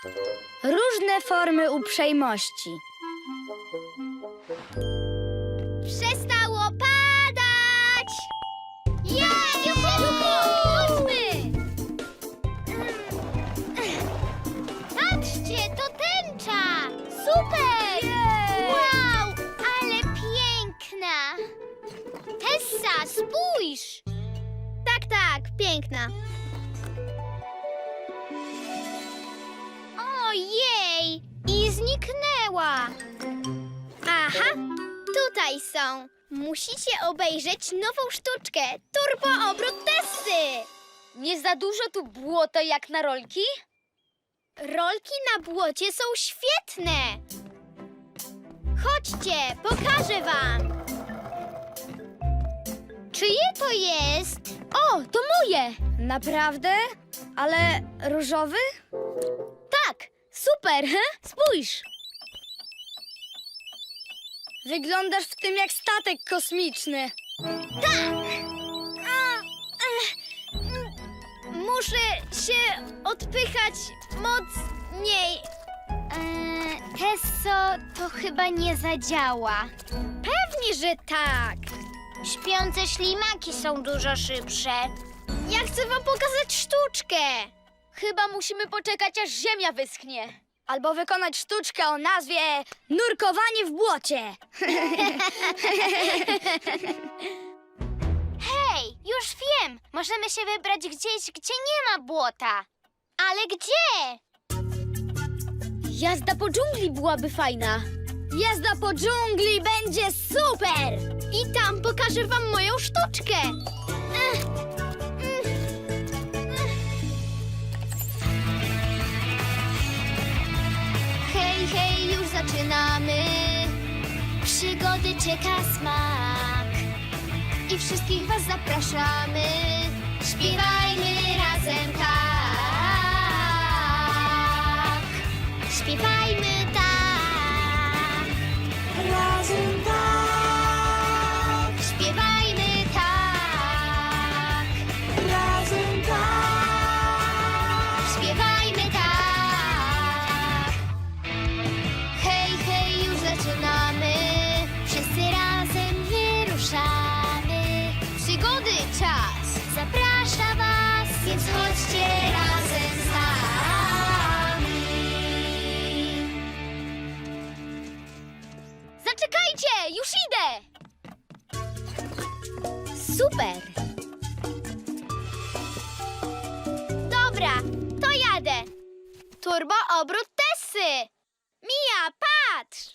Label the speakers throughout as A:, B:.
A: Różne formy uprzejmości.
B: Przestało padać! Jej! Chodźmy! Patrzcie, to tęcza! Super! Wow, ale piękna! Tessa, spójrz! Tak, piękna. Ojej! I zniknęła! Aha, tutaj są. Musicie obejrzeć nową sztuczkę. Turbo obrót Tessy.
C: Nie za dużo tu błota jak na rolki?
B: Rolki na błocie są świetne. Chodźcie, pokażę wam. Czyje to jest?
C: O, to moje!
A: Naprawdę? Ale różowy?
C: Tak, super, he? Spójrz!
A: Wyglądasz w tym jak statek kosmiczny.
B: Muszę się odpychać mocniej. Tesso, to chyba nie zadziała. Pewnie, że tak. Śpiące ślimaki są dużo szybsze. Ja chcę wam pokazać sztuczkę.
C: Chyba musimy poczekać, aż ziemia wyschnie.
A: Albo wykonać sztuczkę o nazwie nurkowanie w błocie.
B: Hej, już wiem. Możemy się wybrać gdzieś, gdzie nie ma błota. Ale gdzie?
C: Jazda po dżungli byłaby fajna.
A: Jazda po dżungli będzie super!
B: I tam pokażę wam moją sztuczkę. Hej, hej, już zaczynamy. Przygody czeka smak. I wszystkich was zapraszamy. Śpiewajmy razem tak. Śpiewajmy tak. Razem tak. Śpiewajmy tak. Razem tak. Śpiewajmy tak. Hej, hej, już zaczynamy. Wszyscy razem wyruszamy. Przygody czas zaprasza was, więc chodźcie razem z nami.
C: Zaczekajcie, już idę! Super!
B: Dobra, to jadę. Turbo obrót Tessy. Mia, patrz!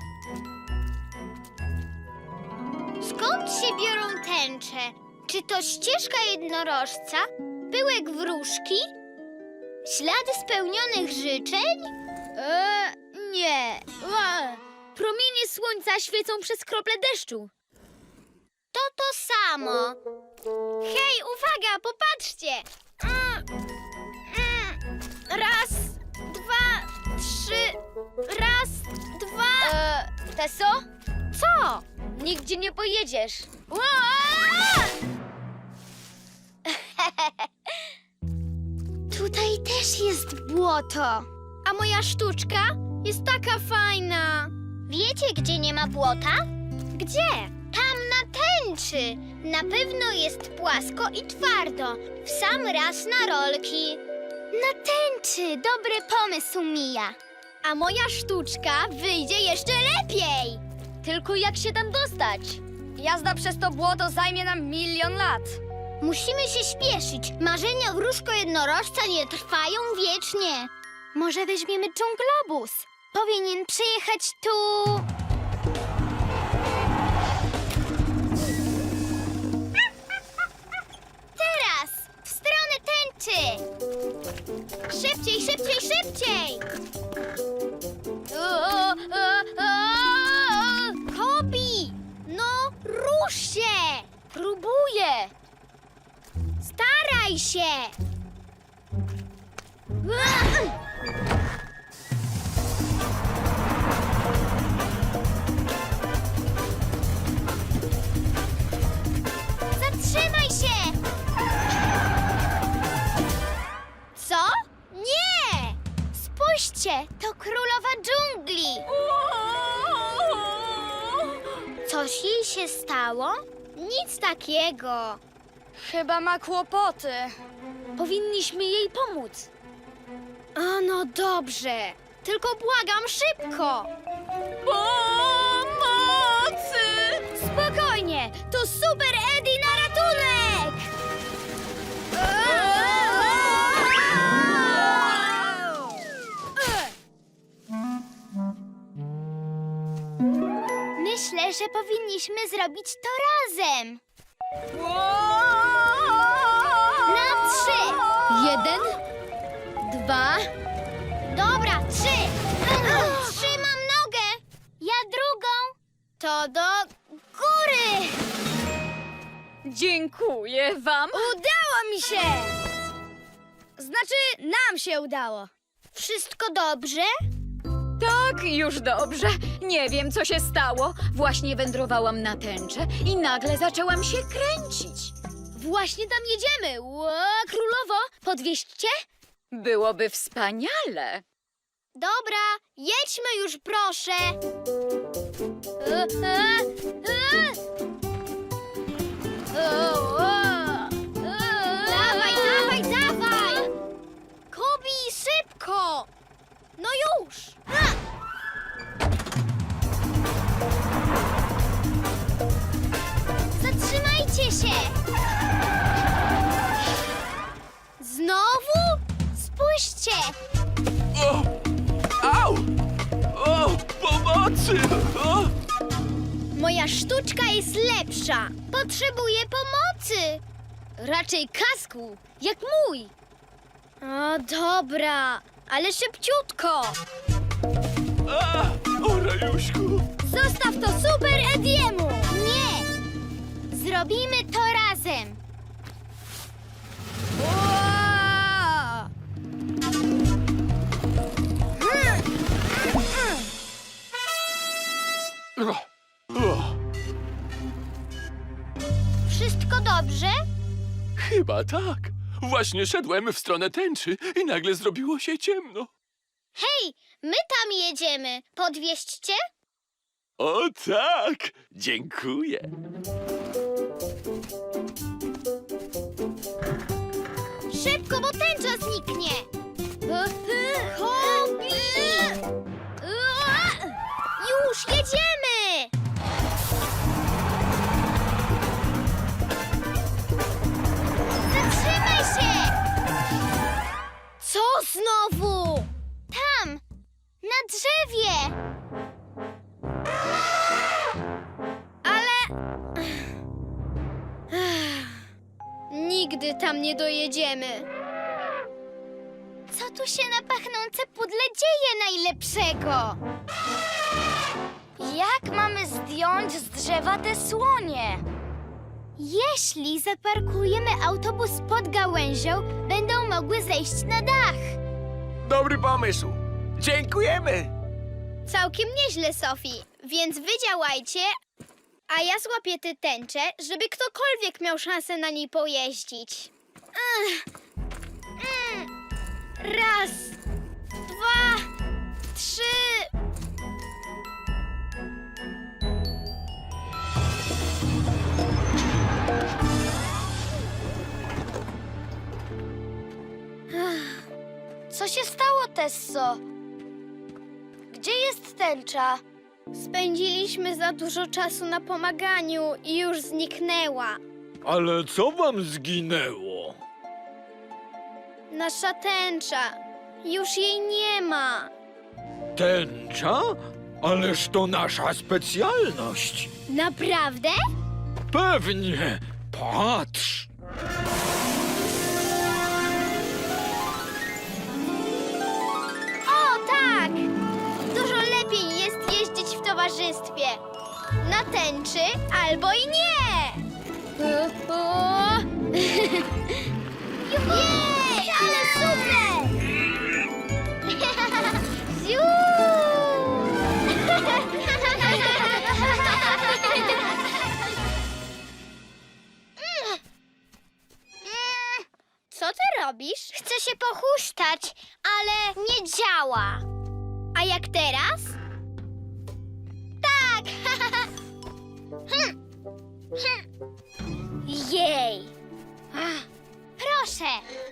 B: Skąd się biorą tęcze? Czy to ścieżka jednorożca? Pyłek wróżki? Ślady spełnionych życzeń?
C: Nie. Promienie słońca świecą przez krople deszczu.
B: To samo. Hej, uwaga, popatrzcie! Raz, dwa, trzy. Raz, dwa.
C: Tesso?
B: Co?
C: Nigdzie nie pojedziesz.
B: Tutaj też jest błoto. A moja sztuczka jest taka fajna. Wiecie, gdzie nie ma błota? Gdzie? Tam na tęczy. Na pewno jest płasko i twardo. W sam raz na rolki. Na tęczy. Dobry pomysł, Mija. A moja sztuczka wyjdzie jeszcze lepiej.
C: Tylko jak się tam dostać?
A: Jazda przez to błoto zajmie nam 1 000 000 lat.
B: Musimy się śpieszyć. Marzenia wróżko jednorożca nie trwają wiecznie. Może weźmiemy dżunglobus. Powinien przyjechać tu. Teraz! W stronę tęczy! Szybciej, szybciej, szybciej! Kobi! No, rusz się!
C: Próbuję.
B: Staraj się! Zatrzymaj się! Co? Nie! Spójrz Spójrzcie, to królowa dżungli. Coś jej się stało? Nic takiego.
A: Chyba ma kłopoty.
C: Powinniśmy jej pomóc.
B: A no dobrze, tylko błagam szybko.
C: Pomocy!
A: Spokojnie, to Super Eddie na ratunek!
B: Myślę, że powinniśmy zrobić to razem. Na 3.
C: 1, 2.
B: Dobra, 3. Trzymam nogę. Ja drugą. To do góry.
C: Dziękuję wam.
A: Udało mi się! Znaczy, nam się udało.
B: Wszystko dobrze?
C: Tak, już dobrze. Nie wiem, co się stało. Właśnie wędrowałam na tęczę i nagle zaczęłam się kręcić. Właśnie tam jedziemy. Królowo, podwieźcie? Byłoby wspaniale.
B: Dobra, jedźmy już, proszę. Dawaj, dawaj, dawaj! Kobi, szybko! No już! Zatrzymajcie się! Znowu? Spójrzcie!
D: O! Au! O! Pomocy! O!
B: Moja sztuczka jest lepsza. Potrzebuję pomocy.
C: Raczej kasku, jak mój.
B: O, dobra, ale szybciutko.
D: A! O, Rajuśku!
A: Zostaw to Super Ediemu!
B: Nie! Zrobimy to razem.
A: Ua!
D: O! O!
B: Wszystko dobrze?
D: Chyba tak. Właśnie szedłem w stronę tęczy i nagle zrobiło się ciemno.
B: Hej, my tam jedziemy. Podwieźćcie?
D: O tak! Dziękuję.
B: Szybko, bo tęcza zniknie. Kobi! Już jedziemy! Zatrzymaj się! Co znowu? Tam, na drzewie.
A: Nigdy tam nie dojedziemy.
B: Co tu się na pachnące pudle dzieje najlepszego?
A: Jak mamy zdjąć z drzewa te słonie?
B: Jeśli zaparkujemy autobus pod gałęzią, będą mogły zejść na dach.
D: Dobry pomysł. Dziękujemy.
B: Całkiem nieźle, Sophie, więc wy działajcie, a ja złapię tę tęczę, żeby ktokolwiek miał szansę na niej pojeździć. Raz, 2, 3.
A: Co się stało, Tesso? Gdzie jest tęcza?
B: Spędziliśmy za dużo czasu na pomaganiu i już zniknęła.
E: Ale co wam zginęło?
B: Nasza tęcza. Już jej nie ma.
E: Tęcza? Ależ to nasza specjalność.
B: Naprawdę?
E: Pewnie. Patrz.
B: O, tak! Dużo lepiej jest jeździć w towarzystwie. Na tęczy albo i nie! Jej, ale super! Ziu! Co ty robisz? Chcę się pochuśtać. ale nie działa. A jak teraz? Tak! Jej! Proszę!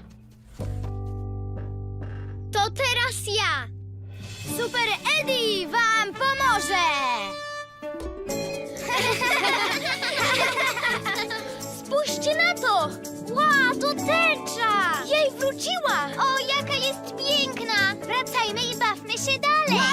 B: To teraz ja! Super Eddie wam pomoże! Spójrzcie na to! Wow, to tęcza! Jej, wróciła! O, jaka jest piękna! Wracajmy i bawmy się dalej!